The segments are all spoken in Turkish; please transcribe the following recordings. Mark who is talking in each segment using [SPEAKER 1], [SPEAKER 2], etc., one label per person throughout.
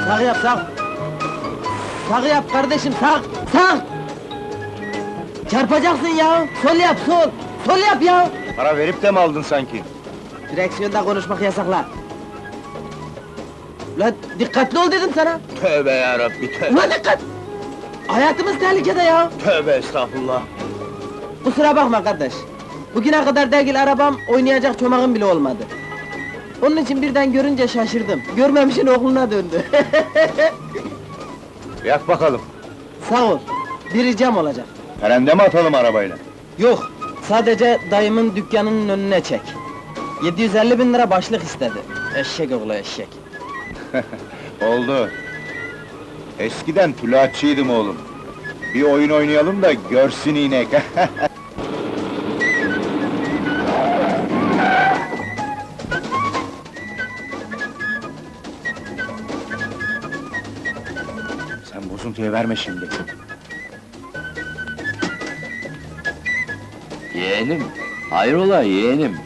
[SPEAKER 1] Sağ yap, sağ! Sağ yap kardeşim, sağ! Sağ! Çarpacaksın ya! Sol yap, sol! Sol yap ya!
[SPEAKER 2] Para verip de mi aldın sanki?
[SPEAKER 1] Direksiyonda konuşmak yasakla! Ulan dikkatli ol dedim sana!
[SPEAKER 2] Tövbe yarabbi, tövbe!
[SPEAKER 1] Ulan dikkat! Hayatımız tehlikede ya!
[SPEAKER 2] Tövbe estağfurullah!
[SPEAKER 1] Kusura bakma kardeş! Bugüne kadar dergil arabam, oynayacak çomağım bile olmadı. Onun için birden görünce şaşırdım. Görmemişin oğluna döndü.
[SPEAKER 2] Yak bakalım!
[SPEAKER 1] Sağ ol. Bir ricam olacak.
[SPEAKER 2] Perende mi atalım arabayla?
[SPEAKER 1] Yok, sadece dayımın dükkanının önüne çek. 750.000 lira başlık istedi. Eşek oğlu eşek.
[SPEAKER 2] Oldu! Eskiden tülatçıydım oğlum. Bir oyun oynayalım da görsün inek! Sen bozuntuya verme şimdi!
[SPEAKER 3] Yeğenim, hayrola yeğenim?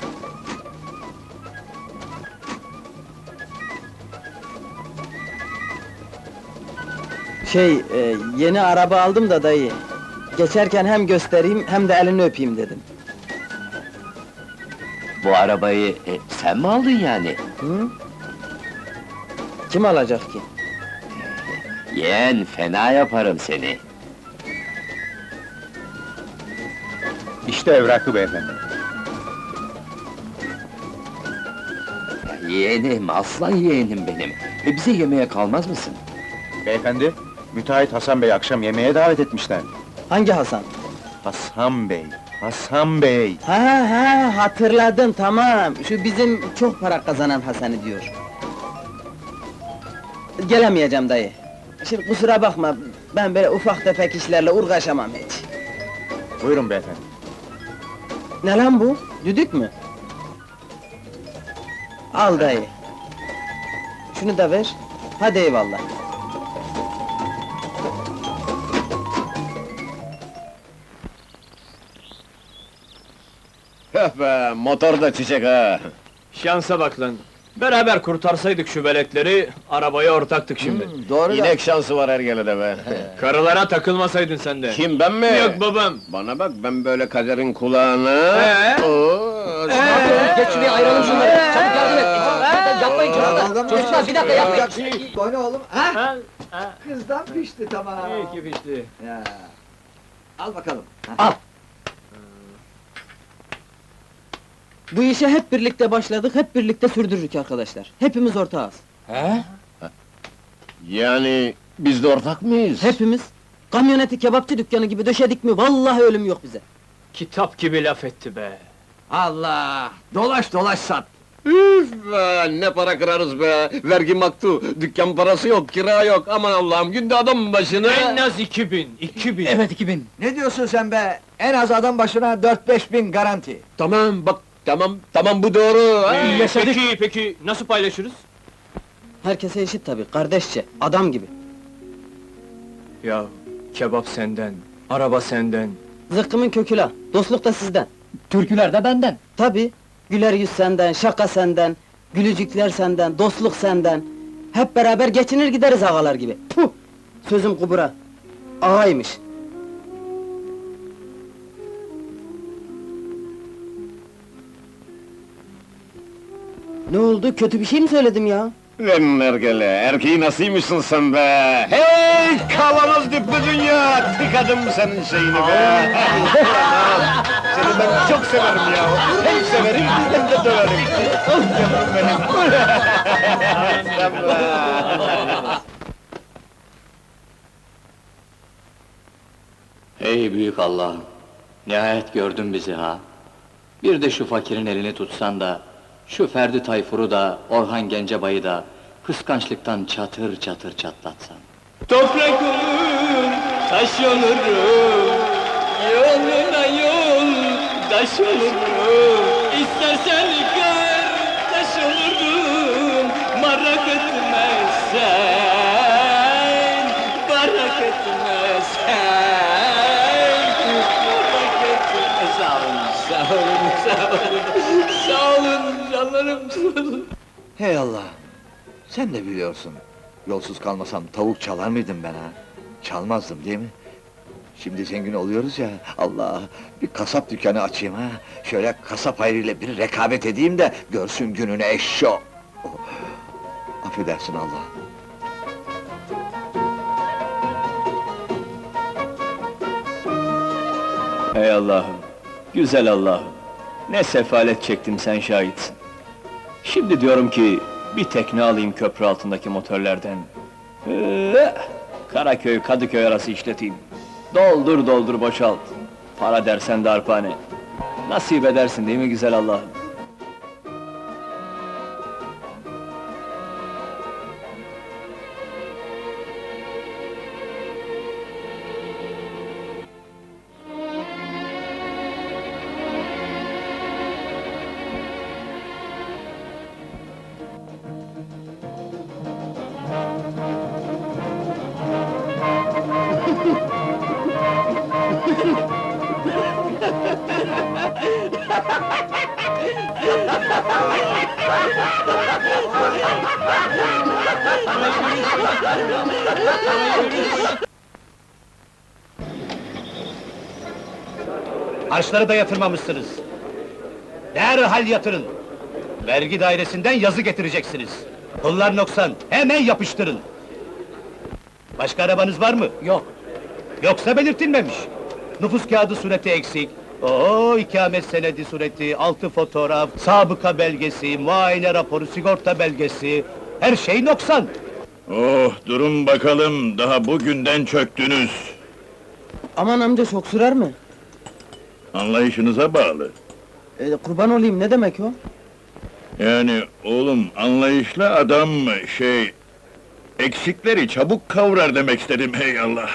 [SPEAKER 1] Yeni araba aldım da dayı. Geçerken hem göstereyim hem de elini öpeyim dedim.
[SPEAKER 3] Bu arabayı sen mi aldın yani?
[SPEAKER 1] Hı? Kim alacak ki?
[SPEAKER 3] Yeğen, fena yaparım seni.
[SPEAKER 2] İşte evrakı beyefendi.
[SPEAKER 3] Yeğenim, aslan yeğenim benim. Bize yemeğe kalmaz mısın?
[SPEAKER 2] Beyefendi, müteahhit Hasan Bey akşam yemeğe davet etmişler.
[SPEAKER 1] Hangi Hasan?
[SPEAKER 2] Hasan Bey, Hasan Bey!
[SPEAKER 1] Ha, hatırladım, tamam. Şu bizim çok para kazanan Hasan'ı diyor. Gelemeyeceğim dayı. Şimdi kusura bakma, ben böyle ufak tefek işlerle uğraşamam hiç.
[SPEAKER 2] Buyurun beyefendi.
[SPEAKER 1] Ne lan bu? Düdük mü? Al dayı. Şunu da ver. Hadi eyvallah.
[SPEAKER 4] Be, motor da çiçek ha!
[SPEAKER 5] Şansa bak lan! Beraber kurtarsaydık şu veletleri, arabaya ortaktık şimdi.
[SPEAKER 1] Doğru
[SPEAKER 4] İnek şansı var Ergele'de be!
[SPEAKER 5] Karılara takılmasaydın sen de!
[SPEAKER 4] Kim, ben mi?
[SPEAKER 5] Yok babam!
[SPEAKER 4] Bana bak, ben böyle kaderin kulağına... Oo,
[SPEAKER 1] Geç şuraya ayıralım şunları. Çabuk yardım et. Yapmayın çocuklar. Çocuklar bir dakika yapmayın.
[SPEAKER 6] O ne oğlum? Ha?
[SPEAKER 5] Ha?
[SPEAKER 6] Kızdan pişti tamam.
[SPEAKER 5] İyi ki pişti.
[SPEAKER 6] Ya. Al bakalım.
[SPEAKER 1] Al. Bu işe hep birlikte başladık, hep birlikte sürdürürük arkadaşlar. Hepimiz ortağız.
[SPEAKER 4] Yani, biz de ortak mıyız?
[SPEAKER 1] Hepimiz. Kamyoneti kebapçı dükkanı gibi döşedik mi, vallahi ölüm yok bize.
[SPEAKER 5] Kitap gibi laf etti be!
[SPEAKER 6] Allah! Dolaş dolaş sat.
[SPEAKER 4] Üf be, ne para kırarız be! Vergi maktu, dükkan parası yok, kira yok, aman Allah'ım, günde adam başına...
[SPEAKER 5] En az 2000!
[SPEAKER 1] Evet 2000.
[SPEAKER 6] Ne diyorsun sen be? En az adam başına 4-5 bin garanti.
[SPEAKER 4] Tamam, bak, tamam bu doğru! ha?
[SPEAKER 5] Peki, nasıl paylaşırız?
[SPEAKER 1] Herkese eşit tabii, kardeşçe, adam gibi.
[SPEAKER 5] Ya, kebap senden, araba senden.
[SPEAKER 1] Zıkkımın kökü la, dostluk da sizden.
[SPEAKER 6] Türküler de benden.
[SPEAKER 1] Tabii, güler yüz senden, şaka senden, gülücükler senden, dostluk senden. Hep beraber geçinir gideriz ağalar gibi. Puh! Sözüm kubura. Ağaymış. Ne oldu, kötü bir şey mi söyledim ya?
[SPEAKER 4] Lan Ergele, erkeği nasılmışsın sen be? Hey, kavanoz dipli dünya! Tıkadım senin şeyini be! Seni ben çok severim ya! Hem severim, hem de döverim! Yavrum benim! Sen be!
[SPEAKER 3] Ey büyük Allah'ım! Nihayet gördün bizi ha! Bir de şu fakirin elini tutsan da, şu Ferdi Tayfur'u da, Orhan Gencebay'ı da, kıskançlıktan çatır çatır çatlatsan.
[SPEAKER 5] Toprak olur, taş olurum, yoluna yol, taş olurum. İstersen kardeş olurum, merak etmezsen, merak etmezsen, merak etmezsen. Sağ olun canlarım, sağ olun.
[SPEAKER 6] Hey Allah! Sen de biliyorsun. Yolsuz kalmasam tavuk çalar mıydım ben ha? Çalmazdım değil mi? Şimdi zengin oluyoruz ya, Allah! Bir kasap dükkanı açayım ha! Şöyle kasap hayrıyla bir rekabet edeyim de görsün gününü eşşo! Oh, affedersin Allah!
[SPEAKER 5] Ey Allah'ım, güzel Allah'ım! Ne sefalet çektim sen şahitsin. Şimdi diyorum ki, bir tekne alayım köprü altındaki motorlardan. Karaköy, Kadıköy arası işleteyim. Doldur doldur boşalt. Para dersen de arpane. Nasip edersin değil mi güzel Allah'ım?
[SPEAKER 7] Harçları da yatırmamışsınız. Derhal yatırın. Vergi dairesinden yazı getireceksiniz. Pullar noksan, hemen yapıştırın. Başka arabanız var mı?
[SPEAKER 1] Yok.
[SPEAKER 7] Yoksa belirtilmemiş. Nüfus kağıdı sureti eksik. İkamet senedi sureti, 6 fotoğraf, sabıka belgesi, muayene raporu, sigorta belgesi... Her şey noksan.
[SPEAKER 4] Oh, durun bakalım, daha bugünden çöktünüz.
[SPEAKER 1] Aman amca çok sürer mi?
[SPEAKER 4] Anlayışınıza bağlı.
[SPEAKER 1] Kurban olayım, ne demek o?
[SPEAKER 4] Yani oğlum, anlayışlı adam eksikleri çabuk kavrar demek istedim, hey Allah!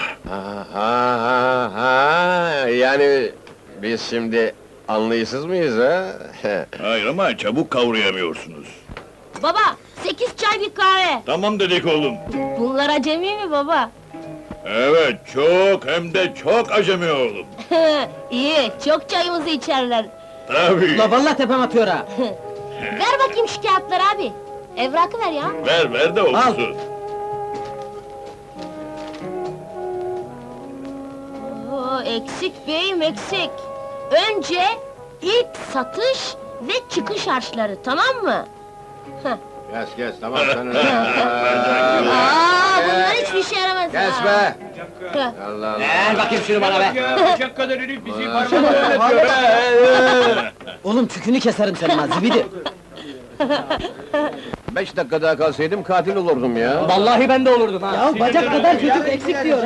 [SPEAKER 8] Yani biz şimdi anlayışsız mıyız ha?
[SPEAKER 4] Hayır ama çabuk kavrayamıyorsunuz.
[SPEAKER 9] Baba, 8 çay bir kahve.
[SPEAKER 4] Tamam dedik oğlum.
[SPEAKER 9] Bunlar acemi mi baba?
[SPEAKER 4] Evet, çok hem de çok acemi oğlum.
[SPEAKER 9] İyi, çok çayımızı içerler.
[SPEAKER 4] Tabii.
[SPEAKER 1] La vallahi tepem atıyor ha!
[SPEAKER 9] Ver bakayım şu kağıtları abi. Evrakı ver ya.
[SPEAKER 4] Ver de okusun.
[SPEAKER 9] Oo, eksik beyim, eksik. Önce ilk satış ve çıkış harçları, tamam mı?
[SPEAKER 8] Kes, tamam sen
[SPEAKER 9] Aa, bunlar hiçbir şey yaramaz
[SPEAKER 8] Kes
[SPEAKER 9] ha.
[SPEAKER 8] be!
[SPEAKER 9] Heh.
[SPEAKER 8] Allah Allah!
[SPEAKER 5] Ver bakayım şunu bana be!
[SPEAKER 7] Bıçak kadar herif bizi parmağına
[SPEAKER 1] Oğlum tükünü keserim senin ha, zibidi!
[SPEAKER 8] 5 dakika daha kalsaydım katil olurdum ya!
[SPEAKER 5] Vallahi ben de olurdum ha!
[SPEAKER 1] Ya bacak kadar çocuk eksik diyor!